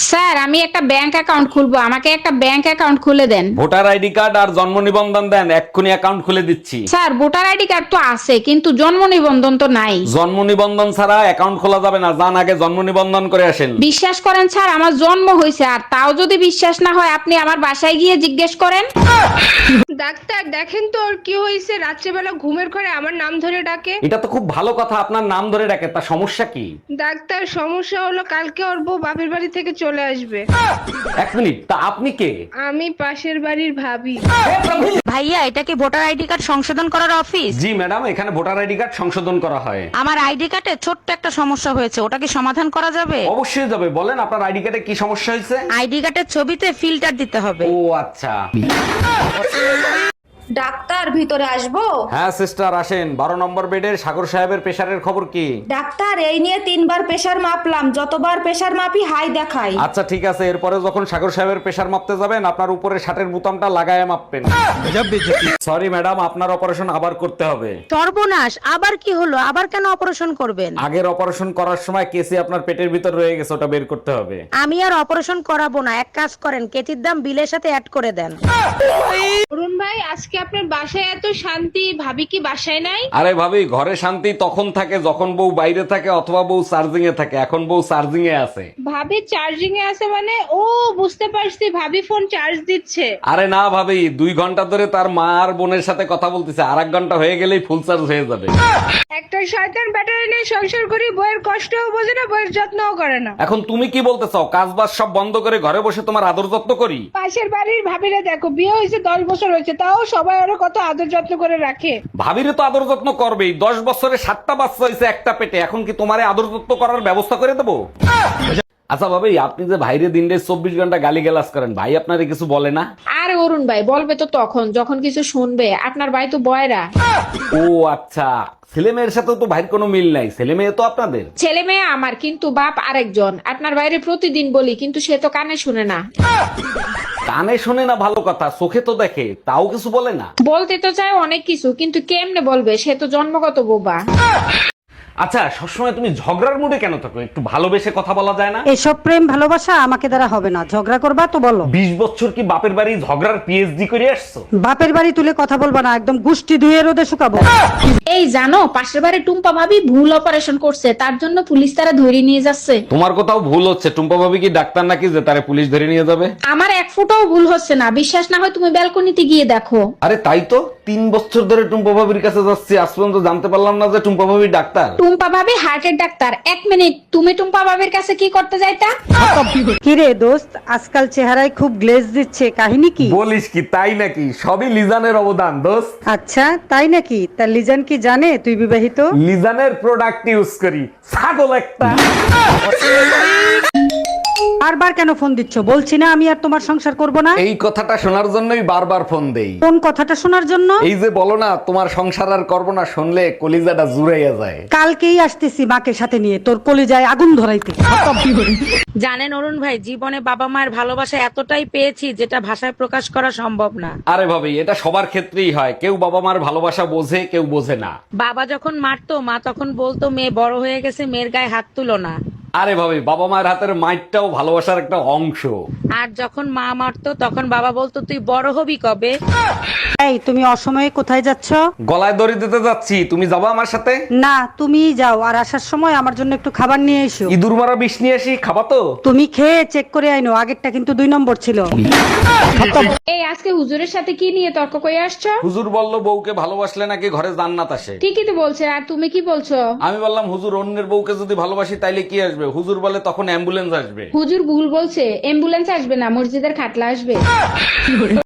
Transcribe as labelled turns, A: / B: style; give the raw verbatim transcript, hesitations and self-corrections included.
A: Sir আমি একটা bank account খুলবো, আমাকে একটা ব্যাংক অ্যাকাউন্ট খুলে দেন।
B: ভোটার আইডি কার্ড আর জন্ম নিবন্ধন দেন, এক্ষুনি অ্যাকাউন্ট খুলে দিচ্ছি।
A: স্যার ভোটার আইডি কার্ড তো আছে কিন্তু জন্ম নিবন্ধন তো নাই।
B: জন্ম নিবন্ধন ছাড়া অ্যাকাউন্ট খোলা যাবে না, যান আগে জন্ম নিবন্ধন করে আসেন।
A: বিশ্বাস করেন স্যার আমার জন্ম হয়েছে, আর তাও যদি বিশ্বাস না হয় আপনি আমার বাসায় গিয়ে জিজ্ঞেস করেন।
C: ডাক্তার দেখেন তো ওর কি হয়েছে, রাত্রেবেলা ঘুমের ঘরে আমার নাম ধরে ডাকে।
B: এটা তো খুব ভালো কথা, আপনার নাম ধরে ডাকে, তা সমস্যা কি?
C: ডাক্তার সমস্যা হলো কালকে ওর বউ বাপের বাড়ি থেকে চলে আসবে।
B: এক মিনিট, তা আপনি কে?
C: আমি পাশের বাড়ির ভাবি।
D: ভাইয়া এটা কি ভোটার আইডি কার্ড সংশোধন করার অফিস?
B: জি ম্যাডাম, এখানে ভোটার আইডি কার্ড সংশোধন করা হয়।
D: আমার আইডি কার্ডে ছোট্ট একটা সমস্যা হয়েছে, ওটা কি সমাধান করা যাবে?
B: অবশ্যই যাবে, বলেন আপনার আইডি কার্ডে কি সমস্যা হয়েছে?
D: আইডি কার্ডের ছবিতে ফিল্টার দিতে হবে।
B: ও আচ্ছা।
E: ডাক্তার ভিতরে আসবো?
B: হ্যাঁ সিস্টার আসেন। বারো নম্বর বেডের সাগর সাহেবের প্রেশারের খবর কি?
E: ডাক্তার এই নিয়ে তিনবার প্রেসার মাপলাম, যতবার প্রেসার মাপি হাই দেখাই।
B: আচ্ছা ঠিক আছে, এরপরে যখন সাগর সাহেবের প্রেশার মাপতে যাবেন আপনার উপরে শার্টের বোতামটা লাগায় মাপবেন। সরি ম্যাডাম, আপনার অপারেশন আবার করতে হবে।
D: সর্বনাশ, আবার কি হলো? আবার কেন অপারেশন করবেন?
B: আগের অপারেশন করার সময় কেসি আপনার পেটের ভিতর রয়ে গেছে, ওটা বের করতে হবে।
D: আমি আর অপারেশন করাবো না, এক কাজ করেন কেতির দাম বিলের সাথে অ্যাড করে দেন।
C: অরুণ ভাই আজকে আপনার বাসায় এত শান্তি, ভাবি কি বাসায় নাই?
B: আরে ভাবি, ঘরে শান্তি তখন থাকে যখন বউ বাইরে থাকে অথবা বউ চার্জিং এ থাকে, এখন বউ চার্জিং এ আছে।
C: ভাবি চার্জিং এ আছে মানে? ও বুঝতে পারছি, ভাবি ফোন চার্জ দিচ্ছে।
B: আরে না ভাবি, দুই ঘন্টা ধরে তার মা আর বোনের সাথে কথা বলতেছে, আর এক ঘন্টা হয়ে গেলেই ফুল চার্জ হয়ে যাবে।
C: একটা শয়তান ব্যাটারি নিয়ে সংসার করি, বইয়ের কষ্টও বোঝে না, বইয়ের যত্নও করে না।
B: এখন তুমি কি বলতে চাও, কাজ বাজ সব বন্ধ করে ঘরে বসে তোমার আদর যত্ন করি?
C: পাশের বাড়ির ভাবিরা দেখো, বিয়ে হয়েছে দশ বছর হয়েছে, তাও সবাই ওরা কত আদর যত্ন করে রাখে।
B: ভাবিরে তো আদর যত্ন করবেই, দশ বছরে সাতটা বাচ্চা হয়েছে একটা পেটে, এখন কি তোমারে আদর যত্ন করার ব্যবস্থা করে দেবো? আচ্ছা ভাবি, আপনি যে ভাইরে দিনরে চব্বিশ ঘন্টা গালি গালাজ করেন, ভাই আপনারে কিছু বলে না?
A: আর অরুণ ভাই বলবে তো তখন যখন কিছু শুনবে, আপনার ভাই তো বয়রা।
B: ও আচ্ছা, ছেলে মেয়ের সাথে তো ভাইয়ের কোনো মিল নাই, ছেলে মেয়ে তো আপনাদের।
A: ছেলে মেয়ে আমার, কিন্তু বাপ আরেকজন। আপনার বাইরে প্রতিদিন বলি কিন্তু সে তো কানে শুনে না।
B: কানে শোনে না ভালো কথা, চোখে তো দেখে, তাও কিছু বলে না।
A: বলতে তো চায় অনেক কিছু, কিন্তু কেমনে বলবে, সে তো জন্মগত বোবা।
B: আচ্ছা, সবসময় তুমি ঝগড়ার মুডে কেন থাকো? একটু ভালোবেসে কথা বলা যায় না?
F: এসব প্রেম ভালোবাসা আমাকে দ্বারা হবে না, ঝগড়া করবা তো বলো।
B: বিশ বছর কি বাপের বাড়ি ঝগড়ার পিএইচডি করে আসছো?
F: বাপের বাড়ি তুলে কথা বলবা না, একদম গুষ্টি ধুয়ে রোদে শুকাবো।
A: এই জানো, পাশের বাড়ি টুম্পা ভাবি ভুল অপারেশন করছে, তার জন্য পুলিশ তারা ধরে নিয়ে যাচ্ছে।
B: তোমার কোথাও ভুল হচ্ছে, টুম্পা ভাবি কি ডাক্তার নাকি যে তারে পুলিশ ধরে নিয়ে যাবে?
A: আমার এক ফুটাও ভুল হচ্ছে না, বিশ্বাস না হয় তুমি ব্যালকনিতে গিয়ে দেখো।
B: আরে তাই তো, তিন বছর ধরে টুম্পা ভাবির কাছে যাচ্ছি, আজ পর্যন্ত জানতে পারলাম না যে টুম্পা ভাবি ডাক্তার।
A: টুম্পা ভাবি হার্টের ডাক্তার। এক মিনিট, তুমি টুম্পা ভাবির কাছে কি করতে যাইতা?
F: কিরে দোস্ত, আজকাল চেহারায় খুব গ্লেজ দিচ্ছে, কাহিনী কি?
B: বলিস কি, তাই নাকি? সবই লিজানের অবদান দোস্ত।
F: আচ্ছা তাই নাকি? তা লিজান কি জানে তুই বিবাহিত?
B: লিজানের প্রোডাক্ট ইউজ করি, ছাগল একটা।
F: বারবার কেন ফোন দিচ্ছ? বলছি না আমি আর তোমার সংসার করব না।
B: এই কথাটা শোনার জন্যই বারবার ফোন দেই।
F: কোন কথাটা শোনার জন্য?
B: এই যে বলো না তোমার সংসার আর করবো না, শুনলে কলিজাটা জুড়াইয়া যায়।
F: কালকেই আসতেছি মাকে সাথে নিয়ে তোর কলিজায় আগুন ধরাইতে।
D: জানেন অরুণ ভাই, জীবনে বাবা মায়ের ভালোবাসা এতটাই পেয়েছি যেটা ভাষায় প্রকাশ করা সম্ভব না।
B: আরে ভাবি, এটা সবার ক্ষেত্রেই হয়, কেউ বাবা মার ভালোবাসা বোঝে, কেউ বোঝে না।
D: বাবা যখন মারতো মা তখন বলতো মেয়ে বড় হয়ে গেছে, মেয়ের গায়ে হাত তুলো না।
B: আরে ভাবি, বাবা মায়ের হাতের মাইটটাও ভালোবাসার একটা অংশ।
D: আর যখন মা মারতো তখন বাবা বলতো তুই বড় হবি কবে।
F: এই তুমি অসময়ে কোথায় যাচ্ছ?
B: গলায় দড়ি দিতে যাচ্ছি, তুমি যাবা আমার সাথে?
F: না তুমিই যাও, আর আসার সময় আমার জন্য একটু খাবার নিয়ে এসো।
B: ইঁদুর মারা বিষ নিয়ে আসি, খাবা তো?
F: তুমি খেয়ে চেক করে আইনো, আগেরটা কিন্তু দুই নম্বর ছিল।
A: এই আজকে হুজুরের সাথে কি নিয়ে তর্ক করে আসছো?
B: হুজুর বলল বউকে ভালোবাসলে নাকি ঘরে জান্নাত আসে।
A: ঠিকই তো বলছে, আর তুমি কি বলছো?
B: আমি বললাম হুজুর, অন্যের বউকে যদি ভালোবাসি তাইলে কি আসবে? হুজুর বলে তখন অ্যাম্বুলেন্স আসবে।
A: হুজুর ভুল বলছে, অ্যাম্বুলেন্স আসবে না, মসজিদের খাটলা আসবে।